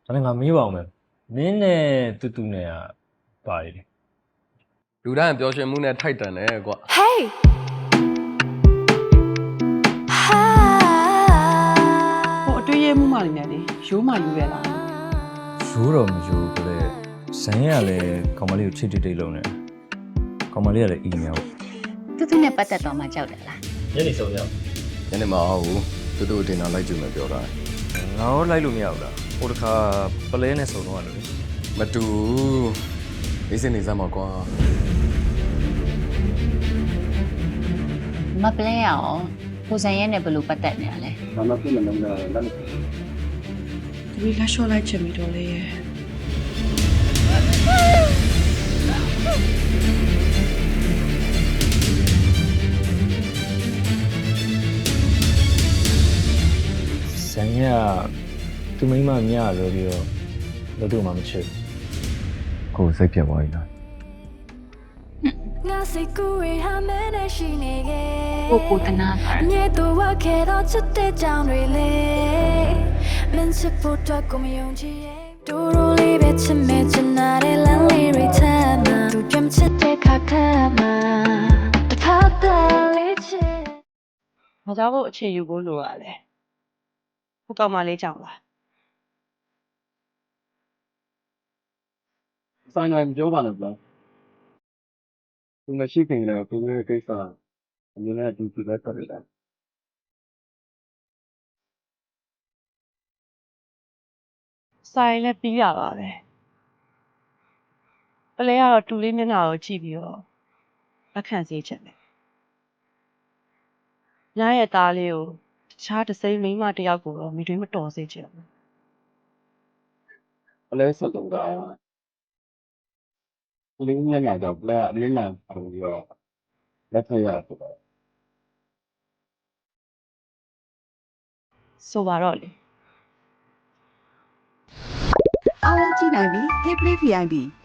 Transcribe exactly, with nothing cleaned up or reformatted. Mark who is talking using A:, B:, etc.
A: ဒါနဲ့ငါမေးပါအောင်မယ်မင်းနဲ့တူတူနဲ့ကပါတယ်လေ
B: လူတိုင်းပျော်ရွှင်မှုနဲ့ထိုက်တန်တယ်ကွာ
C: Hey
D: ဟိုအတွေ့ရမှုမှလည်းနဲ့လေရိုးမှယူရလား
A: ရိုးတော့မရိုးဘူးလေဇန်ရကလည်းကောင်မလေးကိုချစ်တိတ်တိတ်လုံးနေကောင်မလေးကလည်းအီမေးလ်
E: တူတူနဲ့ပတ်သက်တော့မှကြောက်တယ်လား
A: ညနေဆုံးရောက်
B: ညနေမအောင်ဘူးတူတူတင်တာလိုက်ကြည့်မယ်ပြောတာ
A: ငါရောလိုက်လို့မရဘူးလားဟိုတခါပလဲနဲ့ဆုံတော့လို့လေ
B: မတူအေးစင်နေစမ်းပါကွာ
E: မပလဲရအောင်ကိုစံရဲနဲ့ဘယ်လိုပတ်သက်နေရလဲ
F: ဘာမှပြမလုံးတော့လက်မ
D: ဒီလက်လျှော့လိုက်ချင်ပြီတော့လေရဲ့
A: ဇန်ရသူမိမမြရလို့ပြီးတော့လို့တို့မှမချစ်
B: ကိုစိတ်ပြတ်သွားပြီလား
C: ငါစိတ်ကူးရဟာမဲနဲ့ရှိနေခဲ့
E: ကိုကိုတနာတာ
C: မြေတူဝခဲ့တော့ချစ်တဲ့ကြောင်တွေလေမင်းချစ်ဖို့တော့ကိုမယုံကြည်ရဲ့တူတူလေးပဲချစ်မဲ့ချင်တာတဲ့လမ်းလေးတွေထမ်းမှာသူကြမ်းချစ်တဲ့ခါခါမှာတခါတည်းလေးချစ်
D: မကြောက်ဖို့အခြေယူဖို့လိုရလဲဟိုကောင်မလေးကြောင့်လား
F: ဆိုင်တိုင်းပြောပါနဲ့ဗျာသူမရှိခင်လည်းကိုယ်ရဲ့ကိစ္စအမြင်နဲ့အတူတူပဲဆက်ရတယ်
D: ဆိုင်လည်းပြီးရပါပဲပလဲကတော့တူလေးမျက်နှာကိုကြည့်ပြီးတော့လက်ခံစေချင်တယ်ညရဲ့သားလေးကိုတခြားတစ်စိမ့်မိန်းမတစ်ယောက်ကိုတော့မိတွင်မတော်စေချင်ဘူး
F: ဘလဲဆက်တော့တာဒီလိုညညတော့ဘလဲအလေးလံပုံပြီးတော့လက်ထက်ရဆိုတော့
D: ဆိုပါတော့လေ
G: အားလုံးကြည့်နိုင်ပြီ Hey Play ဗီ အိုင် ပီ